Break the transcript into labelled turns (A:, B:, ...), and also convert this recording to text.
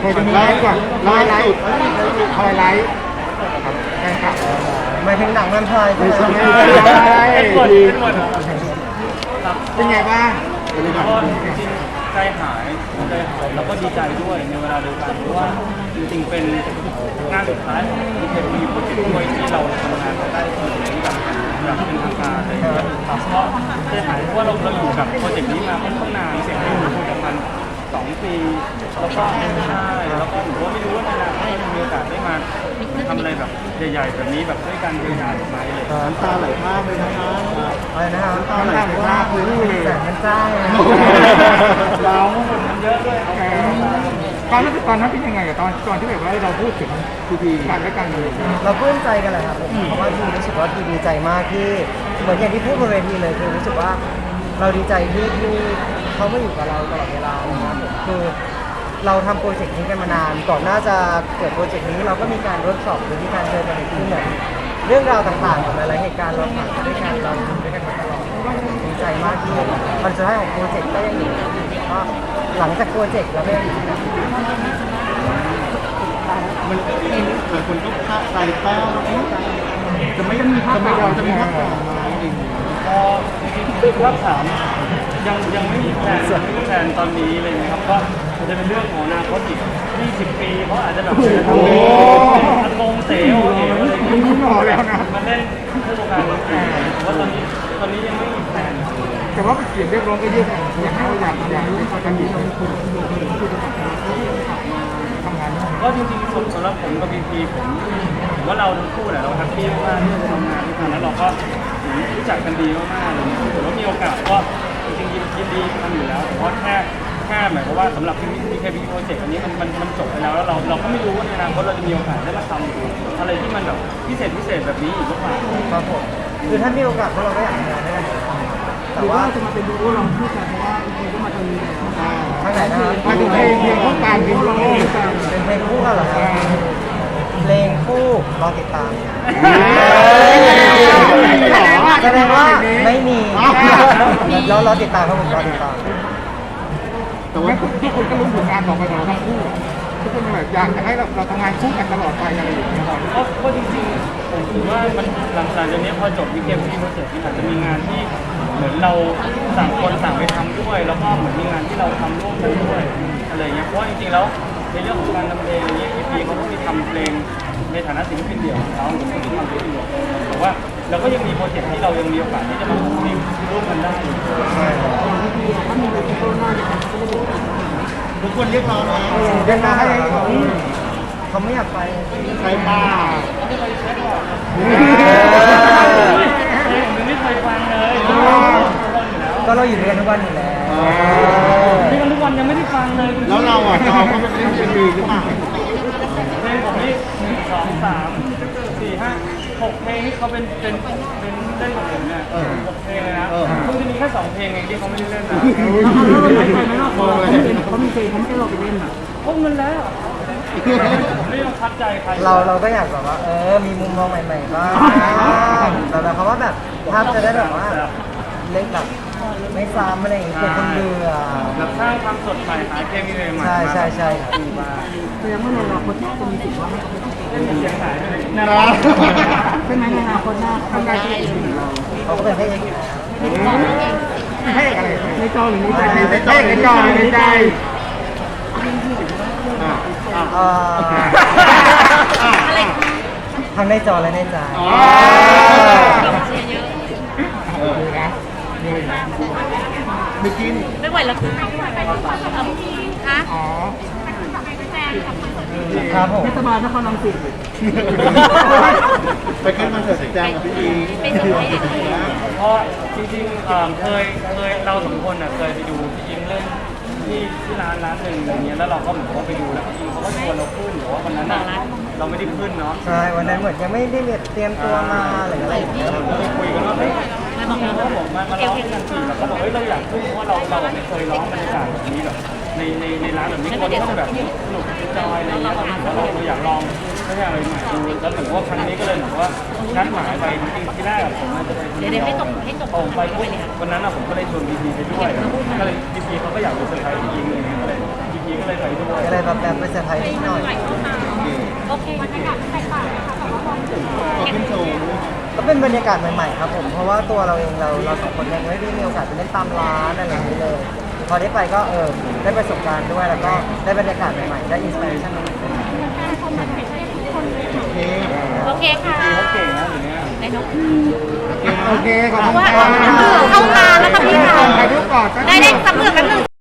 A: เคยจะมีไลฟ์ก่อนไลฟ์คอยไลฟ์ครับใช่ครับ
B: หมายถึงหนังมันพาย
A: ไม่ใช่
C: เป็นหมดครับ
A: เป็นไงบ้าง
C: ก็จริงๆใจหายแล้วก็ดีใจด้วยในเวลาเดียวกันเพราะว่าจริงๆเป็นงานสุดท้ายของทีเคพีโปรเจกต์ด้วยที่เราทำงานได้ถึงแบบเป็นทางการอะไรอย่างเงี้ยครับก็ใจหายเพราะว่าเราอยู่กับโปรเจกต์นี้มาค่อนข้างนานเสร็จแล้วคุยกับมัน2 ปีแล้วก็ใช่แล้วก็หนูก็ไม่รู้ว่าในอนาคตจะมีโอกาสได้มาทำอะไรแบบใหญ่ๆแบบนี้แบบด้วยกันยาวๆไหมอะไรอย่างเงี้ย
A: น้ำตาไหลภาพเลยนะคะ
B: อะไรนะครับ
A: น้ำตาไหลภาพเลย
B: แสงมันจ้า
C: เราคนเยอะด้วยเอา
A: ตอนนั้นเป็นยังไงกับตอนที่แบบว่าเราพูดถึงทีกันและกันเลย
B: เราปลื้มใจกันแหละครับผมเพราะว่าทีรู้สึกว่าทีดีใจมากที่เหมือนอย่างที่พูดบนเวทีเลยคือรู้สึกว่าเราดีใจที่เขามาอยู่กับเราตลอดเวลานะครับผมคือเราทำโปรเจกต์นี้กันมานานก่อนหน้าจะเกิดโปรเจกต์นี้เราก็มีการเวิร์กช็อปหรือมีการเจอกันในที่เหมือนเรื่องราวต่างๆของหลายๆเหตุการณ์เราผ่านมาด้วยกันเราอยู่ด้วยกันมาตลอดดีใจมากที่มันสุดท้ายของโปรเจกต์ก็ยังอยู่ก็หลังจากโปรเจกต์เราก็ยังอยู่กัน
A: มันหลายคนก็คาดใจแป้วจะไม่มีภาพเราจะมีภาพต่อมาจริง
C: ก็จริงๆว่าถามยังไม่มีแผนตอนนี้เลยนะครับก็จะเป็นเรื่องของอนาคตอีก20 ปีเขาอาจจะแบบอากงเสวอะไรอย่างเงี้ย
A: พอแล้วนะ
C: มาเล่นคู่กันว่าตอนนี้ยังไม่มีแผน
A: แต่ว่าเสียงเรียกร้องก็เยอะอยากให้เราอยากให้เขาทำดีทำงาน
C: ก็จริงๆสำหรับผมกับพีพีผมว่าเราทั้งคู่แหละเราแฮปปี้มากที่จะทำงานด้วยกันแล้วเราก็รู้จักกันดีมากๆเลยถือว่ามีโอกาสก็จริงๆยินดีทำอยู่แล้วเพราะแค่หมายความว่าสำหรับ PKP โปรเจกต์อันนี้มันจบไปแล้วเราก็ไม่รู้ว่าในอนาคตเราจะมีโอกาสได้มาทำอะไรที่มันแบบพิเศษแบบนี้อีกหรือเปล่า
B: ครับผมคือถ้ามีโอกาสพวกเราก็อยากทำงานด้วยกันแต่ว่า
A: จะมาเป็นดูโอลองพูดกันเพราะว่าจริงๆก็มาทางนี้แล้ว
B: ทางไหนนะครับ
A: มาถึงเพลงต้องการเพลงร้อง
B: เป็นเพลงคู่กันเหรอครับเพลงคู่รอติดตามแสดงว่าไม่มีแล้วรอติดตามครับผมรอติดตาม
A: แต่ว่าทุกคนก็รู้ผลงานของเราทั้งคู่ทุกคนแบบอยากจะให้เราทำงานคู่กันตลอดไปอะไรอย่างเงี้ยครับ
C: ก็จริงๆผมถือว่ามันหลังจากนี้พอจบ PKP โปรเจกต์นี่อาจจะมีงานที่เหมือนเราต่างคนต่างไปทำด้วย แล้วก็เหมือนมีงานที่เราทำร่วมกันด้วยอะไรอย่างเงี้ยเพราะว่าจริงๆแล้วในเรื่องของการทำเพลงอย่างเงี้ย พีเขาก็มีทำเพลงในฐานะศิลปินเดี่ยวของเขาผมก็มีทำเพลงเดี่ยวแต่ว่าเราก็ยังมีโปรเจกต์ที่เรายังมีโอกาสที่จะมาทำเพลงร่วมกันได้อยู่
A: ทุกคนเรียกร้องนะ
B: เดินมาให้เขาไม่อยากไป
A: ใครป้า
C: ไม่เคยเช็คหรอกผมไม่เคยฟังเลย
B: ก็เราอยู่ด้วยกันทุกวันอยู่แล้ว
C: นี่กันทุกวันยังไม่ได้ฟังเลย
A: แล้วเราอ่ะเราก็ไม่ได้เป็นมือหรือเปล่า
C: เพลงผมนี่1 2 3 4 5 6 เพลงที่เขาเป็นเล่นกับผมเนี่ย6 เพลงเลยนะเพิ่งจะมีแค่2 เพลงเองที่เขาไม่ได้เล่นนะเขามีเพลงเขาไม่ให้เราไปเล่นอ่ะพวกมันแล้วไม่ต้องคัดใจใคร
B: เราก็อยากแบบว่ามีมุมมองใหม่ๆบ้างแต่เขาว่าแบบภาพจะได้แบบว่าเล่นแบบไม่ซ้ำอะไรอย่างเงี้ยคนเบื่อ
C: แบบสร้างความสดใหม่หาเพลงใหม่
B: ใช่
C: ดีมาก
A: แสดงว่าในอนาคตน่าจะมีสิทธิ์ว่า
C: เล่นเสียงหายเลยนะ
A: ใช่ไหมในอนาคตหน้าทำงานที่อื่นเรา
B: เขาก็เป็นให้เอง
A: ให้อะไรในจอหรือในใจในจอหรือในใจ
B: ทั้งในจอและในใจ
A: ไม่กิน
D: ไม่ไหวแล้วคะ
A: อ๋อ
B: ครับผม
A: เทศบาลนครรังสิตไปขึ้นคอนเสิร์ตแจ้งกับพี่อี
D: เป็นสมัยเด็ก
C: เพราะจริงๆเคยเรา2 คนเคยไปดูพี่ยิ้มเล่นที่ร้านหนึ่งอย่างเงี้ยแล้วเราก็เหมือนว่าไปดูแล้วพี่ยิ้มเขาก็ชวนเราขึ้นหรือว่าวันนั้นเราไม่ได้ขึ้นเนาะ
B: ใช่วันนั้นเหมือนยังไม่ได้เตรียมตัวมาหรืออะไรอย่างเงี้ย
C: เราก็ไปคุยกันว่าเฮ้ยเขาบอกมาร้องกันสิเราก็บอกเฮ้ยเราอยากขึ้นเพราะว่าเราไม่เคยร้องบรรยากาศแบบนี้แบบในร้านแบบนี้คนก็จะแบบสนุกจอยอะไรเงี้ยแล้วเราอยากลองไม่ใช่อะไรใหม่ดูแล้วเหมือนว่าครั้งนี้ก็เลยเหมือนว่านัดหมายไปจริงๆที่แรกผมน่าจะไป
D: เดี๋ยวให้จบ
C: ผมไปปุ๊บวันนั้นผมก็เลยชวนพีพีไปด้วยก็เลยพีพีเขาก็อยากไปเซอร์ไพรส์จริงๆเลยก็เลยพีพีก็เลยไปด้วย
B: ก็เลยแบบไปเซอร์ไพรส์นิดหน่อย
D: โอเคบรรยากาศแตกต่างไหมคะแต่ว่าพอถึง
A: ก็ขึ้นโชว์
B: ก็เป็นบรรยากาศใหม่ๆครับผมเพราะว่าตัวเราเองเราสองคนยังไม่ได้มีโอกาสไปเล่นตามร้านอะไรอย่างนี้เลยพอได้ไปก็ได้ประสบการณ์ด้วยแล้วก็ได้บรรยากาศใหม่ๆได้อินสปิเรชันใหม่ๆด้วย
A: โอเค
D: โอเคค่ะ
C: เขาเก่งนะอย่างเงี้ย
D: ในนก
A: โอเคขอบ
D: เพ
A: คุ
D: ราะ
A: ณ
D: ว่า
A: ครับ
D: เข้าตาแล้วค่ะพี่ค่ะ
A: ถ่ายรูปก่อน
D: ได้สำเร็จแป๊บนึง